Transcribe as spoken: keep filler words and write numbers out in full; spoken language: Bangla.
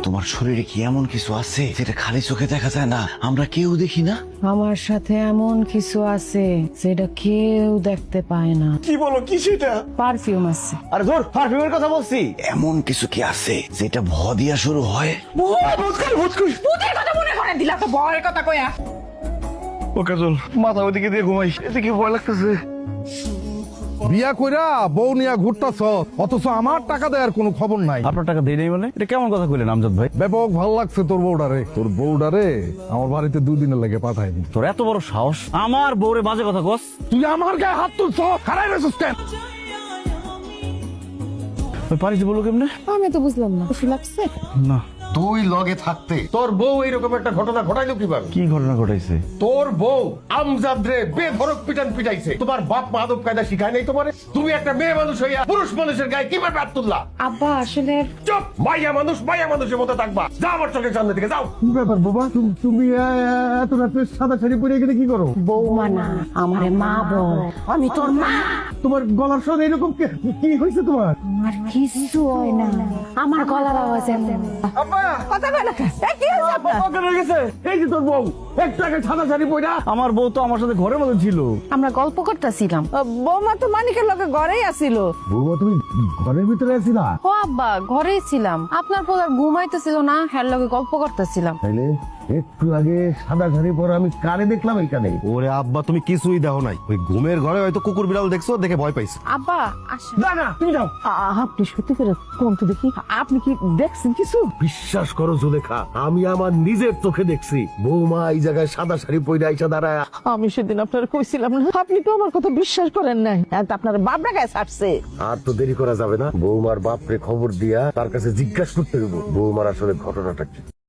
তোমার শরীরে কি এমন কিছু আছে যেটা খালি চোখে দেখা যায় না, আমরা কেউ দেখি না? আমার সাথে এমন কিছু আছে যেটা কেউ দেখতে পায় না। কি বলো, কি সেটা? পারফিউম আছে। আরে ধর, পারফিউমের কথা বলছি। এমন কিছু কি আছে যেটা ভ দিয়া শুরু হয়? ভূতের কথা মনে করে দিলা তো, ভয়ের কথা কয়া। ও কাজল, মাথা ওইদিকে দিয়ে ঘুমাই, এদিকে ভয় লাগতেছে। বিয়া কইরা বউ নিয়া ঘুরতাছ, অথচ আমার টাকা দেওয়ার কোনো খবর নাই। আপনার টাকা দেই নাই মানে? এটা কেমন কথা কইলেন আমজাদ ভাই? ব্যাপক ভাল লাগছে তোর বউডারে। তোর বউডারে আমার বাড়িতে দুই দিনের লেগে পাঠাইনি। তোর এত বড় সাহস, আমার বউরে বাজে কথা কস? তুই আমার গায়ে হাত তুলছ, খারাই রয়েছিস কেন? ওই পারিতে বললো কেমনে? আমি তো বুঝলাম না, খুশি লাগছে? না। তুই লগে থাকতে তোর বউ এইরকম একটা ঘটনা ঘটাইলো কিভাবে? কি ঘটনা ঘটাইছে? তোর বউ আমজাদ রে বেধড়ক পিটান পিটাইছে। তোমার বাপ মা আদব কায়দা শিখায় নাই তোমারে? তুমি একটা মেয়ে মানুষ হইয়া পুরুষ মানুষের গায়ে কিভাবে হাত তুললা? আব্বা আসলে চুপ! মাইয়া মানুষ মাইয়া মানুষের মতো থাকবা। যাও আমার চোখের সামনে থেকে যাও। কি ব্যাপার বাবা, তুমি এত রাতে সাদা শাড়ি পরে গেলে কি করো? বৌমা না, আমারে মা বল। আমি তোর মা। তোমার গলার স্বর এরকম কে- কি হয়েছে তোমার? আমার কিছু হয় না, আমার গলার আওয়াজ এমন। এই যে তোর বউ একটা সাদা শাড়ি পরা। আমার বউ তো আমার সাথে ঘরের মধ্যে ছিল। আমরা গল্প করতেছিলাম। বৌমা তো মানিকের লগে ঘরেই আসিল। বৌমা তুমি ঘরের ভিতরে আছিলা? ও আব্বা, ঘরেই ছিলাম। আপনার পোলার ঘুমাইতেছিল না, হ্যার লগে গল্প করতেছিলাম। তাইলে একটু আগে সাদা শাড়ি পরা আমি কারে দেখলাম এখানে? ওরে আব্বা, তুমি কিছুই দেখো নাই। ওই ঘুমের ঘরে হয়তো কুকুর বিড়াল দেখছো, দেখে ভয় পাইছো। আব্বা আসেন। না না তুমি যাও। আপনি সত্যি করে কোন তো দেখি, আপনি কি দেখছেন কিছু? বিশ্বাস করো জুলেখা, আমি আমার নিজের চোখে দেখছি বৌমা এই জায়গায় সাদা শাড়ি পরে আইসা দাঁড়ায়। আমি সেদিন আপনার কইছিলাম না, আপনি তো আমার কথা বিশ্বাস করেন নাই। এখন তো আপনার বাবরা গায়ে ছাড়ছে। আর তো দেরি করা যাবে না, বৌমার বাপরে খবর দিয়া তার কাছে জিজ্ঞাসা করতে দেবো বৌমার আসলে ঘটনাটা কি।